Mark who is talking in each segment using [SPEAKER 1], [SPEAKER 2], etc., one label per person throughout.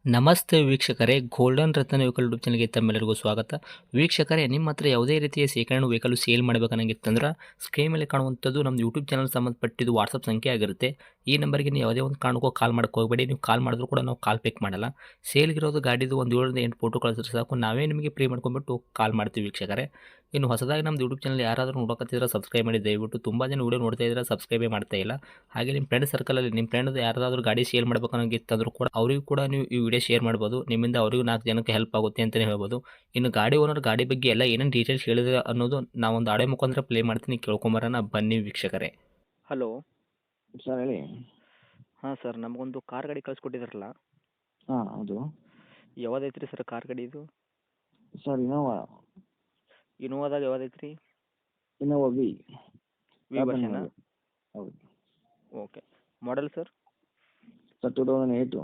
[SPEAKER 1] ನಮಸ್ತೆ ವೀಕ್ಷಕರೇ, ಗೋಲ್ಡನ್ ರತ್ನ vehicle YouTube ಚಾನಲ್ಗೆ ತಮ್ಮೆಲ್ಲರಿಗೂ ಸ್ವಾಗತ. ವೀಕ್ಷಕರೇ, ನಿಮ್ಮ ಹತ್ರ ಯಾವುದೇ ರೀತಿಯ ಶೇಖರಣೆ ವೆಹಿಕಲ್ ಸೇಲ್ ಮಾಡಬೇಕನ್ನಂಗಿತ್ತಂದ್ರೆ ಸ್ಕ್ರೀನ್ ಮೇಲೆ ಕಾಣುವಂಥದ್ದು ನಮ್ಮ ಯೂಟ್ಯೂಬ್ ಚಾನಲ್ ಸಂಬಂಧಪಟ್ಟಿದ್ದು ವಾಟ್ಸಪ್ ಸಂಖ್ಯೆ ಆಗಿರುತ್ತೆ. ಈ ನಂಬರ್ಗೆ ನೀವು ಯಾವುದೇ ಒಂದು ಕಾರಣಕ್ಕೂ ಕಾಲ್ ಮಾಡೋಕ್ಕೆ ಹೋಗಬೇಡಿ. ನೀವು ಕಾಲ್ ಮಾಡಿದ್ರು ಕೂಡ ನಾವು ಕಾಲ್ ಪಿಕ್ ಮಾಡಲ್ಲ. ಸೇಲ್ಗಿರೋದು ಗಾಡಿದು ಒಂದು 7ರಿಂದ 8 ಫೋಟೋ ಕಳಿಸಿದ್ರೆ ಸಾಕು, ನಾವೇ ನಿಮಗೆ ಪ್ರೀ ಮಾಡ್ಕೊಂಡ್ಬಿಟ್ಟು ಕಾಲ್ ಮಾಡ್ತೀವಿ ವೀಕ್ಷಕರೇ. ಇನ್ನು ಹೊಸದಾಗಿ ನಮ್ಮದು ಯೂಟ್ಯೂಬ್ ಚಾನಲ್ ಯಾರಾದರೂ ನೋಡೋಕತ್ತಿದ್ರೆ ಸಬ್ಸ್ಕ್ರೈಬ್ ಮಾಡಿ ದಯವಿಟ್ಟು. ತುಂಬ ಜನ ವೀಡಿಯೋ ನೋಡ್ತಾ ಇದ್ದಾರೆ, ಸಬ್ಸ್ಕ್ರೈಬೇ ಮಾಡ್ತಾ ಇಲ್ಲ. ಹಾಗೆ ನಿಮ್ಮ ಫ್ರೆಂಡ್ ಸರ್ಕಲಲ್ಲಿ ನಿಮ್ಮ ಫ್ರೆಂಡ್ ಯಾರಾದರೂ ಗಾಡಿ ಸೇಲ್ ಮಾಡಬೇಕನ್ನೋಂಗಿತ್ತಂದ್ರೂ ಕೂಡ ಅವರಿಗೂ ಕೂಡ ನೀವು ಈ ವಿಡಿಯೋ ಶೇರ್ ಮಾಡ್ಬೋದು. ನಿಮ್ಮಿಂದ ಅವರಿಗೂ 4 ಜನಕ್ಕೆ ಹೆಲ್ಪ್ ಆಗುತ್ತೆ ಅಂತಲೇ ಹೇಳ್ಬೋದು. ಇನ್ನು ಗಾಡಿ ಓನರ್ ಗಾಡಿ ಬಗ್ಗೆ ಎಲ್ಲ ಏನೇನು ಡೀಟೇಲ್ಸ್ ಹೇಳಿದ್ರೆ ಅನ್ನೋದು ನಾವೊಂದು ಆಡಿಯೋ ಮುಖಾಂತರ ಪ್ಲೇ ಮಾಡ್ತೀನಿ, ಕೇಳ್ಕೊಂಬರೋಣ ಬನ್ನಿ ವೀಕ್ಷಕರೇ. ಹಲೋ.
[SPEAKER 2] ಸರ್ ಹೇಳಿ.
[SPEAKER 1] ಹಾಂ ಸರ್, ನಮಗೊಂದು ಕಾರ್ ಗಾಡಿ ಕಳಿಸ್ಕೊಟ್ಟಿದ್ರಲ್ಲ,
[SPEAKER 2] ಹಾಂ ಹೌದು.
[SPEAKER 1] ಯಾವ್ದೈತ್ರಿ ಸರ್ ಕಾರ್ ಗಾಡಿ ಇದು?
[SPEAKER 2] Sir Innova.
[SPEAKER 1] ಇನೋವಾದಾಗ ಯಾವ್ದೈತ್ರಿ?
[SPEAKER 2] ಇನೋವಾ ವಿ
[SPEAKER 1] ವಿ ವರ್ಷನ?
[SPEAKER 2] ಹೌದು.
[SPEAKER 1] ಓಕೆ. Model sir?
[SPEAKER 2] ಸರ್ 2008.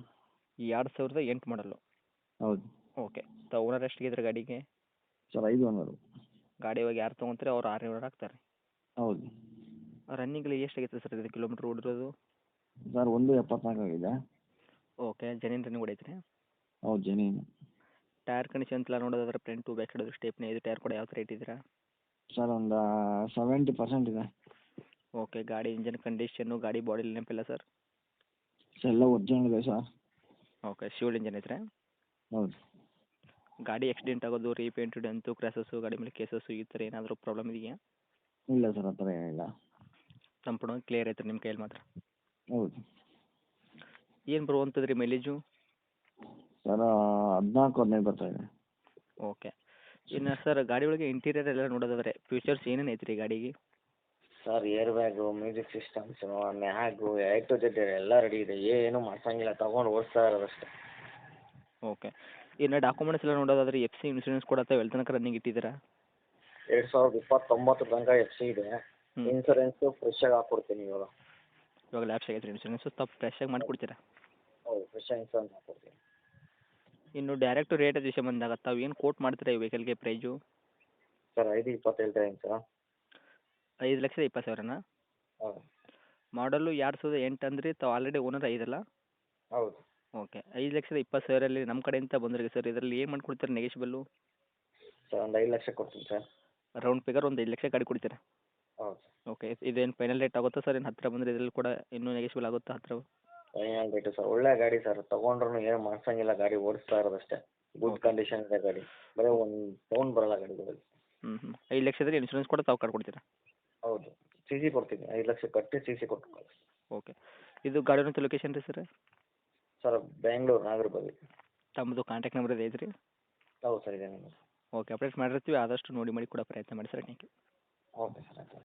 [SPEAKER 1] 2008 ಮಾಡಲು.
[SPEAKER 2] ಹೌದು.
[SPEAKER 1] ಓಕೆ. ಓನರ್ ಎಷ್ಟಿಗಿದ್ರೆ ಗಾಡಿಗೆ?
[SPEAKER 2] Sir 5 owner.
[SPEAKER 1] ಗಾಡಿ ಇವಾಗ ಯಾರು ತೊಗೊಂತಾರೆ ಅವ್ರು 600 ಹಾಕ್ತಾರೆ.
[SPEAKER 2] ಹೌದು.
[SPEAKER 1] ರನ್ನಿಂಗ್ಲಿ ಎಷ್ಟಾಗೈತೆ ಸರ್ ಇದು ಕಿಲೋಮೀಟ್ರ್ ಓಡಿರೋದು?
[SPEAKER 2] ಸರ್ 1.74 ಆಗಿದೆ.
[SPEAKER 1] ಓಕೆ. ಜೆನ್ಯೂನ್ ರನ್ನಿಂಗ್ ಹೊಡೈತ್ರಿ?
[SPEAKER 2] ಹೌದು ಜೆನ್ಯೂನ್.
[SPEAKER 1] ಟೈರ್ ಕಂಡೀಷನ್ ಎಲ್ಲ ನೋಡೋದಾದ್ರೆ ಫ್ರಂಟು ಬ್ಯಾಕ್ ಸೈಡ್ ಸ್ಟೇಪ್ನಿ ಇದು ಟೈರ್ ಕೂಡ ಯಾವ ಥರ ಇಟ್ಟಿದ್ದೀರಾ?
[SPEAKER 2] ಸರ್ ಒಂದು 70% ಇದೆ.
[SPEAKER 1] ಓಕೆ. ಗಾಡಿ ಇಂಜನ್ ಕಂಡೀಷನ್ನು ಗಾಡಿ ಬಾಡಿ ನೆನಪಿಲ್ಲ ಸರ್?
[SPEAKER 2] ಎಲ್ಲ ಒರಿಜಿನಲ್ ಇದೆ ಸರ್.
[SPEAKER 1] ಓಕೆ. ಶಿವಲ್ ಇಂಜನ್ ಐತ್ರಿ?
[SPEAKER 2] ಹೌದು.
[SPEAKER 1] ಗಾಡಿ ಆಕ್ಸಿಡೆಂಟ್ ಆಗೋದು, ರೀಪೇಂಟು, ಡೆಂತು, ಕ್ರ್ಯಾಸಸ್ಸು, ಗಾಡಿ ಮೇಲೆ ಕೇಸಸ್ಸು ಈ ಥರ ಏನಾದರೂ ಪ್ರಾಬ್ಲಮ್ ಇದೆಯಾ?
[SPEAKER 2] ಇಲ್ಲ ಸರ್, ಆ ಥರ ಏನಿಲ್ಲ.
[SPEAKER 1] ಸಂಪೂರ್ಣ ಕ್ಲಿಯರ್ ಐತ್ರಿ ನಿಮ್ಮ ಕೈಯಲ್ಲಿ ಮಾತ್ರ?
[SPEAKER 2] ಹೌದು.
[SPEAKER 1] ಏನು ಬರುವಂಥದ್ದು ರೀ ಮೈಲೇಜು?
[SPEAKER 2] ಸರ್ 14-15 ಬರ್ತಾ ಇದೆ.
[SPEAKER 1] ಓಕೆ. ಇನ್ನು ಸರ್ ಗಾಡಿ ಒಳಗೆ ಇಂಟೀರಿಯರ್ ಎಲ್ಲ ನೋಡೋದಾದ್ರೆ ಫ್ಯೂಚರ್ಸ್ ಏನೇನು ಐತ್ರಿ ಗಾಡಿಗೆ?
[SPEAKER 2] Sir air bag, music systems, mag, A to Z ಎಲ್ಲ ರೆಡಿ ಇದೆ. ಏನು ಮಾಡ್ಸಂಗಿಲ್ಲ, ತೊಗೊಂಡು ಓಡಿಸ್ತಾ ಇರೋದಷ್ಟೇ.
[SPEAKER 1] ಓಕೆ. ಇನ್ನು ಡಾಕ್ಯುಮೆಂಟ್ಸ್ ಎಲ್ಲ ನೋಡೋದಾದ್ರೆ FC ಇನ್ಶೂರೆನ್ಸ್ ಕೂಡ ತಾವು ಎಲ್ಲಿ ತನಕ ರನ್ನಿಂಗ್ ಇಟ್ಟಿದ್ದೀರಾ?
[SPEAKER 2] 2029 ತನಕ FC ಇದೆ. ಇನ್ಸೂರೆನ್ಸು ಫ್ರೆಶ್ ಆಗಿ ಹಾಕ್ಕೊಡ್ತೀನಿ ಇವಾಗ.
[SPEAKER 1] ಇವಾಗ ಲ್ಯಾಪ್ಸ್ ಆಗೈತೆ ರೀ ಇನ್ಶೂರೆನ್ಸು, ತಾವು ಫ್ರೆಶಾಗಿ ಮಾಡಿಕೊಡ್ತೀರಾ?
[SPEAKER 2] ಹೌದು, ಫ್ರೆಶ್ ಆಗಿ ಇನ್ಸೂರೆನ್ಸ್ ಹಾಕ್ಕೊಡ್ತೀನಿ.
[SPEAKER 1] ಇನ್ನು ಡೈರೆಕ್ಟ್ ರೇಟ್ ವಿಷಯ ಬಂದಾಗ ತಾವು ಏನು ಕೋಟ್ ಮಾಡ್ತೀರಾ ಈ ವೆಹಿಕಲ್ಗೆ ಪ್ರೈಜು?
[SPEAKER 2] ಸರ್ 5.20 ಹೇಳ್ತಾ ಇದ್ದೀನಿ ಸರ್.
[SPEAKER 1] 5,20,000ನಾ?
[SPEAKER 2] ಹೌದು.
[SPEAKER 1] ಮಾಡಲು 2008 ಅಂದ್ರಿ, ತಾವು ಆಲ್ರೆಡಿ ಓನರ್ ಐದಲ್ಲ?
[SPEAKER 2] ಹೌದು.
[SPEAKER 1] ಓಕೆ. 5,20,000 ನಮ್ಮ ಕಡೆಯಿಂದ ಬಂದ್ರಿಗೆ ಸರ್, ಇದರಲ್ಲಿ ಏನು ಮಾಡ್ಕೊಡ್ತೀರಾ ನೆಗೆಶಿಬಲ್ಲು?
[SPEAKER 2] ಸರ್ ಒಂದು 5 ಲಕ್ಷ ಕೊಡ್ತೀನಿ ಸರ್.
[SPEAKER 1] ರೌಂಡ್ ಫಿಗರ್ ಒಂದು 5 ಲಕ್ಷ ಗಾಡಿ ಕೊಡ್ತೀರಾ?
[SPEAKER 2] ಹೌದು.
[SPEAKER 1] ಓಕೆ. ಇದೇನು ಫೈನಲ್ ರೇಟ್ ಆಗುತ್ತಾ ಸರ್? ಏನು ಹತ್ತಿರ ಬಂದರೆ ಇದರಲ್ಲಿ ಕೂಡ ಇನ್ನೂ ನೆಗೆಶಿಬಲ್ ಆಗುತ್ತಾ ಹತ್ತಿರ?
[SPEAKER 2] Final rate sir. ಒಳ್ಳೆ ಗಾಡಿ ಸರ್, ತೊಗೊಂಡ್ರು ಏನು ಮಾಡ್ಸಂಗಿಲ್ಲ, ಗಾಡಿ ಓಡಿಸ್ತಾ ಇರೋದಷ್ಟೇ. Good
[SPEAKER 1] okay.
[SPEAKER 2] ಕಂಡೀಷನ್ ಇದೆ ಗಾಡಿ. ಬರೀ ಒಂದು ಸೌಂಡ್ ಬರಲ್ಲ ಗಾಡಿಗಳಲ್ಲಿ.
[SPEAKER 1] 5 ಲಕ್ಷದಲ್ಲಿ ಇನ್ಶೂರೆನ್ಸ್ ಕೂಡ ತಾವು ಕೊಡ್ತೀರಾ?
[SPEAKER 2] ಹೌದು. CC ಕೊಡ್ತೀನಿ. 5 ಲಕ್ಷ ಕಟ್ಟಿ CC ಕೊಟ್ಟು ಕಳಿಸಿ.
[SPEAKER 1] ಓಕೆ. ಇದು ಗಾಡಿ ಲೊಕೇಶನ್ ರೀ ಸರ್?
[SPEAKER 2] ಸರ್ ಬೆಂಗಳೂರು ನಾಗರಬಾವಿ.
[SPEAKER 1] ತಮ್ಮದು ಕಾಂಟ್ಯಾಕ್ಟ್ ನಂಬರ್ ಇದೆ ಐತ್ರಿ?
[SPEAKER 2] ಹೌದು ಸರ್, ಇದೆ ನಿಮ್ಮದು.
[SPEAKER 1] ಓಕೆ. ಅಪ್ಡೇಟ್ ಮಾಡಿರ್ತೀವಿ, ಆದಷ್ಟು ನೋಡಿ ಮಾಡಿ ಕೊಡೋ ಪ್ರಯತ್ನ ಮಾಡಿ sir. Thank you.
[SPEAKER 2] Okay sir, ಆಯ್ತು.